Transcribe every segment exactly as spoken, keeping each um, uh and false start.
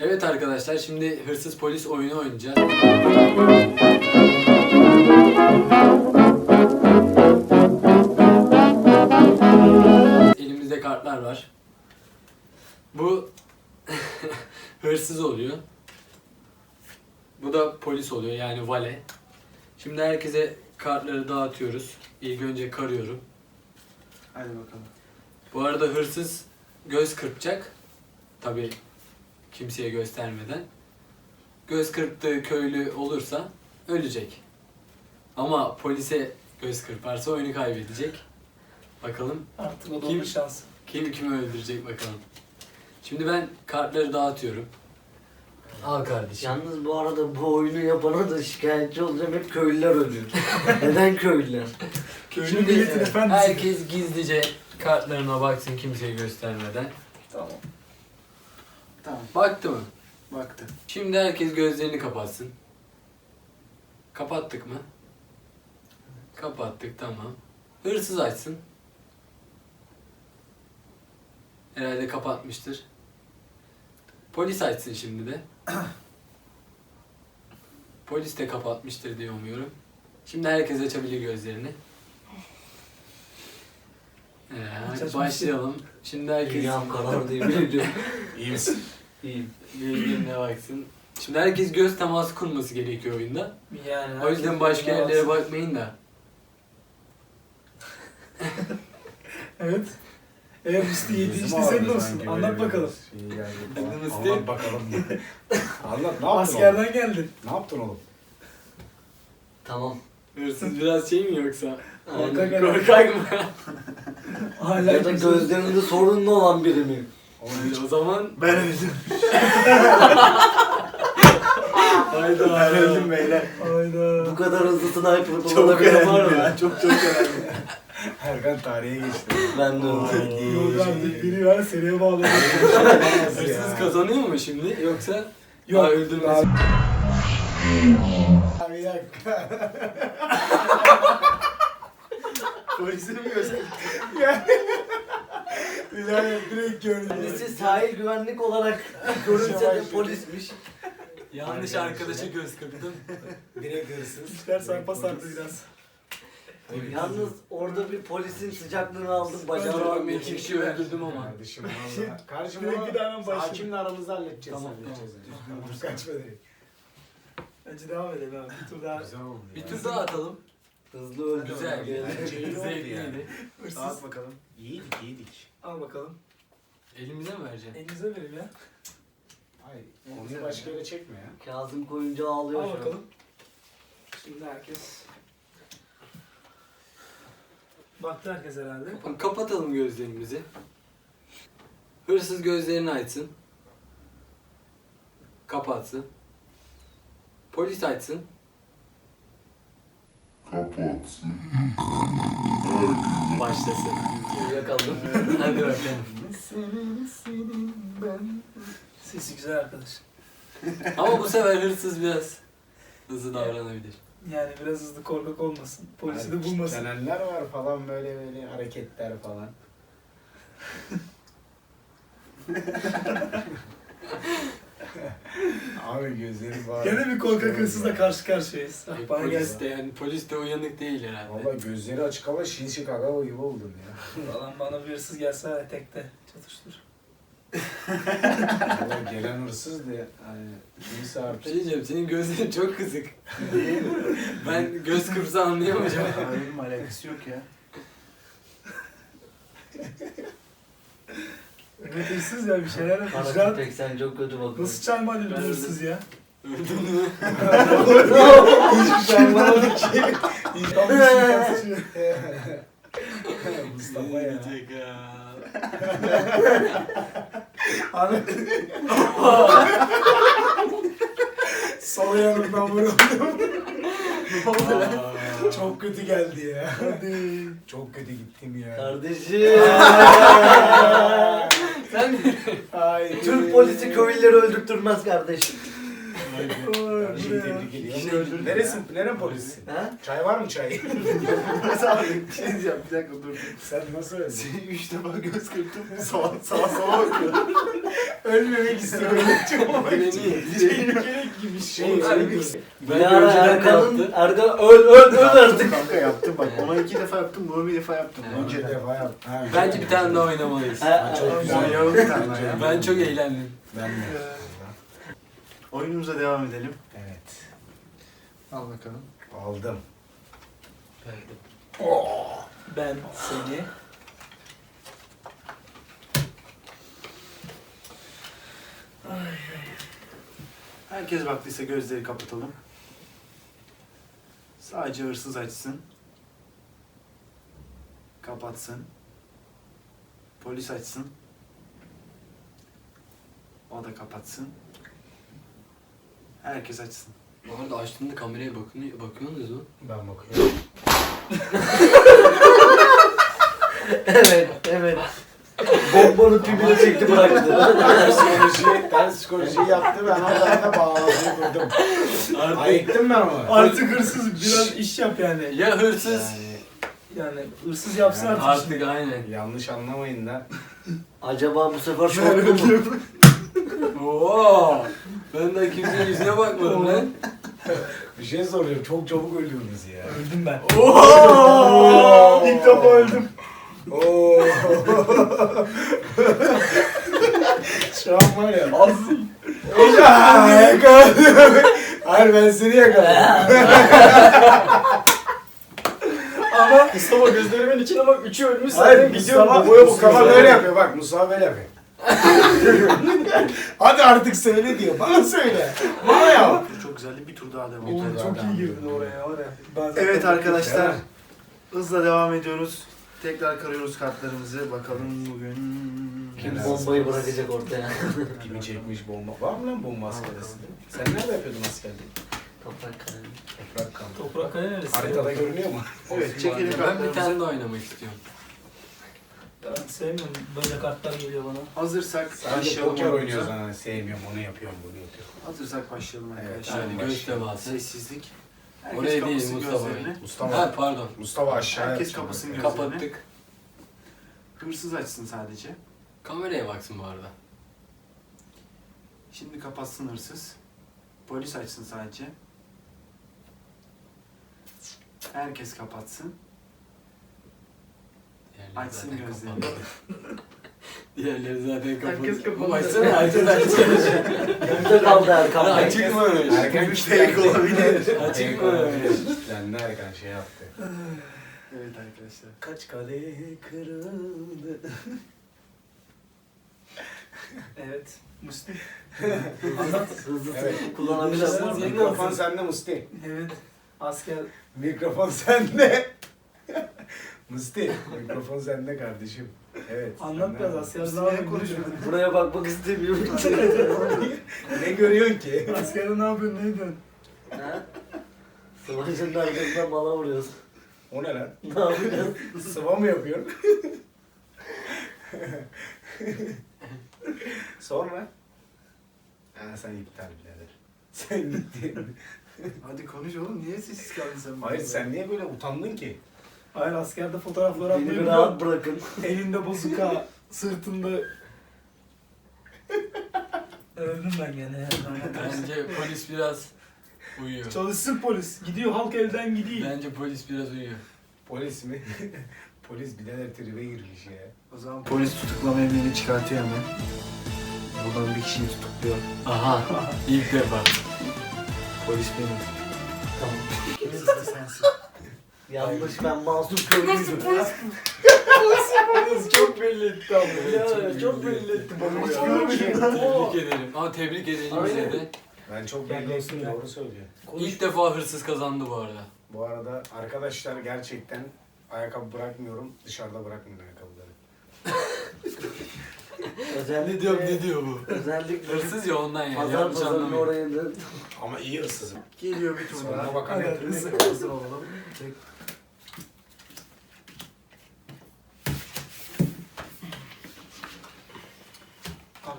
Evet arkadaşlar, şimdi hırsız polis oyunu oynayacağız. Elimizde kartlar var. Bu hırsız oluyor. Bu da polis oluyor, yani vale. Şimdi herkese kartları dağıtıyoruz. İlk önce karıyorum. Hadi bakalım. Bu arada hırsız göz kırpacak. Tabii kimseye göstermeden. Göz kırptığı köylü olursa ölecek. Ama polise göz kırparsa oyunu kaybedecek. Bakalım Artık o da Kim? onun şansı. kim kimi öldürecek bakalım. Şimdi ben kartları dağıtıyorum. Al kardeşim. Yalnız bu arada bu oyunu yapana da şikayetçi olacağım, hep köylüler ölüyor. Neden köylüler? Köylü Şimdi milletin efendisi. herkes gizlice kartlarına baksın kimseye göstermeden. Tamam. Tamam. Baktı mı? Baktı. Şimdi herkes gözlerini kapatsın. Kapattık mı? Kapattık, tamam. Hırsız açsın. Herhalde kapatmıştır. Polis açsın şimdi de. Polis de kapatmıştır diye umuyorum. Şimdi herkes açabilir gözlerini. Ee, hadi Açmış. başlayalım. Şimdi herkes Dünyam karardı yemin ediyorum. İyi misin? İyiyim. gözlerine baksın. Şimdi herkes göz teması kurması gerekiyor oyunda. Yani O yüzden herkes başka birbirine yerlere baksın. bakmayın da. Evet. Eğer Musti yedi Gözüm işte ağrıdı senin olsun. sanki Anlat böyle bakalım. bir şey geldi Hadi falan. Musti. Anlat bakalım. Anlat, ne yaptın oğlum? Askerden geldin. Ne yaptın oğlum? Tamam. Hırsız biraz şey mi yoksa? Korkak Aynen. adam. Korkak mı? Hala Ya da kimse- gözlerinde sorunlu olan biri mi? o zaman Ben öldüm. hayda. Ben öldüm beyler. Bu Hayda. kadar hızlı sniper Çok kullanabilen var önemli mı? ya. Çok çok önemli. Erkan tarihe geçti. Ben de öyle. Ay. Yok artık biri var seriye bağladı. Hırsız kazanıyor mu şimdi yoksa? Yok. Aa, öldürmesi. Abi bir dakika. Polisi mi gösterdin? Bilal direkt gördüm. Birisi sahil güvenlik olarak görünse de polismiş. Yanlış arkadaşa göz kırptım. Direkt hırsız. İşler sarpa sardı biraz. Yalnız orada bir polisin sıcaklığını aldım. Kusura Bacağını bakma, iki kişi öldürdüm ama. Kardeşim valla. Kardeşim Direkt valla bir daha hemen başlayalım. hakimle aramızda halledeceğiz. Tamam, halledeceğiz. tamam. Dur kaçma direkt. Bence devam edelim abi. Bir tur daha. Güzel oldu Bir ya. tur daha atalım. hızlı öldü. Güzel. Bence iyi oldu Zevkliydi. yani. Hırsız. Dağıt bakalım. Yedik yedik. Al bakalım. Elimize mi vereceksin? Elinize verin ya. Hayır. Onu başka yere çekme ya. Kazım koyunca ağlıyor Al şu an. bakalım. Şimdi herkes. Baktı herkes herhalde. Kapan- Kapatalım gözlerimizi. Hırsız gözlerini açsın. Kapatsın. Polis açsın. Kapatsın. Başlasın. Uyuyakaldım. Hadi bakalım. Senin senin ben. Sesi güzel arkadaş. Ama bu sefer hırsız biraz hızlı davranabilir. Yani biraz hızlı korkak olmasın. Polisi de bulmasın. Kitlenenler var falan böyle böyle hareketler falan. Abi gözleri bağır. Gene bir korkak hırsızla karşı karşıyayız. Ay, Ah, bana polis gelsin. de yani polis de uyanık değil herhalde. Valla gözleri açık ama Shin Chicago gibi oldun ya. Falan bana bir hırsız gelse tekte çatıştır. Valla gelen hırsız da yani kimse Bir artık. şey diyeceğim, senin gözlerin çok kızık. Ben göz kırpsa anlayamayacağım. Benim alakası yok ya. Evet hırsız ya bir şeyler yapmış. Kara Rahat. köpek sen çok kötü bakıyorsun. Nasıl çayma edildi Ben hırsız ya? Öldün mü? Hiçbir şey anlamadım ki. Tam bir şey sıçıyor. Mustafa ya. Yiyecek ya. Abi. Sol yanımdan vuruldum. Aa. Çok kötü geldi ya. Hadi. Çok kötü gittim ya. Kardeşim. Sen Ay. Türk polisi köylüleri öldürtmez kardeşim. Kardeşim tebrik ediyorum. Neresin? Neren polisi? Ha? Çay var mı çay? Mesela bir şey diyeceğim bir dakika dur. Sen nasıl öldün? Seni üç defa göz kırptım. Sağa sağa sağa bakıyorum. Ölmemek istiyorum. Beni Tehlikeli gibi şey. Ben Bir ara önceden de Erkan'ın, yaptım. Erkan öl öl öl artık. Kanka yaptım bak. Ona iki defa yaptım. Bunu bir defa yaptım. Evet. Önce Önceden. defa yap. Ha, Bence bir tane daha oynamalıyız. Ha, Çok ha, güzel. Oynayalım bir tane daha ya. Ben çok eğlendim. Ben de. Oyunumuza devam edelim. Evet. Al bakalım. Aldım. Ben seni. Herkes baktıysa gözleri kapatalım. Sadece hırsız açsın. Kapatsın. Polis açsın. O da kapatsın. Herkes açsın. Bu arada açtığında kameraya bakın, bakıyorsunuz mu? Ben bakıyorum. evet evet. Bombanın pipini çekti bıraktı. Ters psikoloji, ters psikoloji yaptı. Ben oradan da bağlantıyı kurdum. Ayıktım ben onu. Artık hırsız biraz iş yap yani. Ya hırsız. Yani Yani hırsız yapsın artık. Artık aynen. yanlış anlamayın da. Acaba bu sefer şok mu? Oo. Ben de kimsenin yüzüne bakmadım lan. Bir şey soruyorum. Çok çabuk ölüyorsunuz ya. Öldüm ben. Oo. İlk defa öldüm. Oo. Şu an var ya. Az. Aa, yakaladım. Hayır ben seni yakaladım. Ama Mustafa gözlerimin içine bak. Üçü ölmüş Hayır zaten. gidiyorum. Mustafa- Babaya bu kafa böyle yapıyor. Bak Mustafa böyle yapıyor. Hadi artık söyle diyor. Bana söyle. Bana yap. Çok güzeldi. Bir tur daha devam Bir tur edelim. Oğlum çok iyi girdin oraya var ya. Ben zaten- Evet arkadaşlar. Hızla devam ediyoruz. Tekrar karıyoruz kartlarımızı. Bakalım bugün... Kim Helal bombayı olsun. bırakacak ortaya? Kimi çekmiş bomba. Var mı lan bomba askerasında? Sen nerede yapıyordun askerliği? Toprak kalemi. Toprak kamp. Toprak kale neresi? Haritada görünüyor mu? Evet çekelim Ben bir kartlarımızı. tane daha oynamak istiyorum. Ben sevmiyorum. Böyle kartlar geliyor bana. Hazırsak Sadece başlayalım poker oyunumuza. oynuyoruz ha. Sevmiyorum onu yapıyorum bunu yapıyorum. Hazırsak başlayalım Evet, arkadaşlar. Yani Hadi göz teması. Sessizlik. Herkes Oraya değil kapasın Mustafa. gözlerini. Mustafa. Ha pardon. Mustafa aşağı Herkes yapacağım kapısını ben. gör. Kapattık. Hırsız açsın sadece. Kameraya baksın bu arada. Şimdi kapatsın hırsız. Polis açsın sadece. Herkes kapatsın. Diğerleri Açsın zaten gözlerini. kapalı. Diğerleri zaten kapalı. Herkes kapalı. Bu açsana açsın açsın. Kimde kaldı Erkan Bey? Açık mı öyle? Erken Müşterek olabilir. Açık mı öyle? Kitlendi Erkan şey yaptı. Evet arkadaşlar. Kaç kale kırıldı. Evet. Musti. Anlat. Hızlı Evet. hızlı kullanabilirsin. Hızlı- Mikrofon sende Musti. Evet. Asker. Mikrofon sende. Musti, mikrofon sende kardeşim. Evet. Anlat sende. biraz asker. Musti Ne niye yapıyorsun? konuşmuyor? Buraya bakmak istemiyorum. Ne görüyorsun ki? Askerde ne yapıyorsun? Ne ediyorsun? Ha? Savaşın arkasından mala vuruyorsun. O ne lan? Ne yapacağız? Sıva mı yapıyorsun? Sonra? Ha sen iptal birader. Sen gittin. Hadi konuş oğlum. Niye sessiz kaldın sen? Hayır burada? sen niye böyle utandın ki? Hayır askerde fotoğraflar Beni atmayı bir biliyorum. rahat bırakın. Elinde bozuka, sırtında... Öldüm ben gene ya. Bence polis biraz uyuyor. Çalışsın polis. Gidiyor halk elden gidiyor. Bence polis biraz uyuyor. Polis mi? Polis birader tribe girmiş ya. O zaman polis tutuklama emrini çıkartıyor hemen. Buradan bir kişiyi tutukluyor. Aha. İlk defa. Polis benim. Tamam. Hırsız da sensin. Yanlış ben masum köylüydüm. Polis çok belli etti ama. Ya çok belli etti bana. Hiç Ya. görmedim. Tebrik ederim. Ama tebrik edelim bize Aynen. de. Ben çok Gel belli olsun ettim, ya. doğru söylüyor. İlk defa hırsız kazandı bu arada. Bu arada arkadaşlar gerçekten ayakkabı bırakmıyorum. Dışarıda bırakmıyorum ayakkabıları. Özellikle, Ne diyor ne diyor bu? özellikle Hırsız ya ondan yani. pazar Yanlış pazarın anlamayın. oraya da Ama iyi hırsızım. Geliyor bir tur Sonuna daha. bakan Hadi, hepimiz. hadi. Hazır olalım. Tek.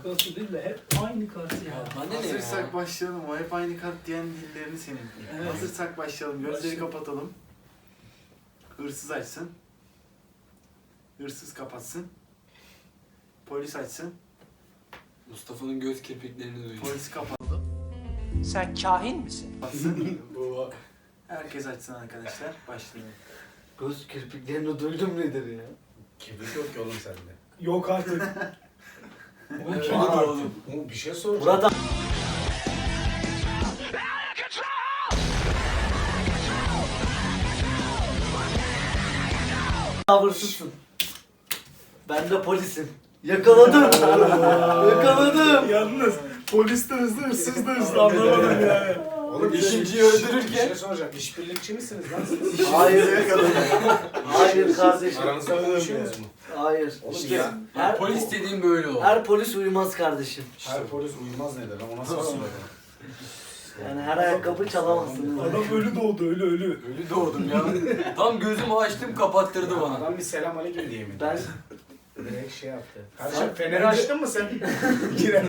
Takası değil de hep aynı kartı ya. Ya bana ne Hazırsak ya? başlayalım. O hep aynı kart diyen dillerini senin. Evet. Hazırsak başlayalım. Gözleri Başlayalım. kapatalım. Hırsız açsın. Hırsız kapatsın. Polis açsın. Mustafa'nın göz kirpiklerini duyuyor. Polis kapatsın. Sen kahin misin? Bu Herkes açsın arkadaşlar. Başlayalım. Göz kirpiklerini duydum nedir ya? Kibrit yok ki oğlum sende. Yok artık. Oğlum Var kedi artık. doğdum. Oğlum bir şey soracağım. Murat abi. Hırsızsın. Ben de polisim. Yakaladım. Yakaladım. Yalnız polis de hızlı, hırsız da hızlı anlamadım yani. Oğlum İkinciyi Bir öldürürken şey soracağım. İşbirlikçi misiniz lan siz? Hayır. Hayır kardeşim. Aranızda konuşuyorsunuz mu? Hayır. Oğlum İşte ya. her polis dediğim böyle oldu. her polis uyumaz kardeşim. Her polis uyumaz ne der? O nasıl bir slogan? Yani her ayakkabı çalamazsın. Adam ölü doğdu, ölü ölü. Ölü doğdum ya. Tam gözümü açtım kapattırdı bana. Adam bir selam aleyküm diyemedi. Ben Direkt şey yaptı. Kardeşim feneri açtın mı sen? Giren.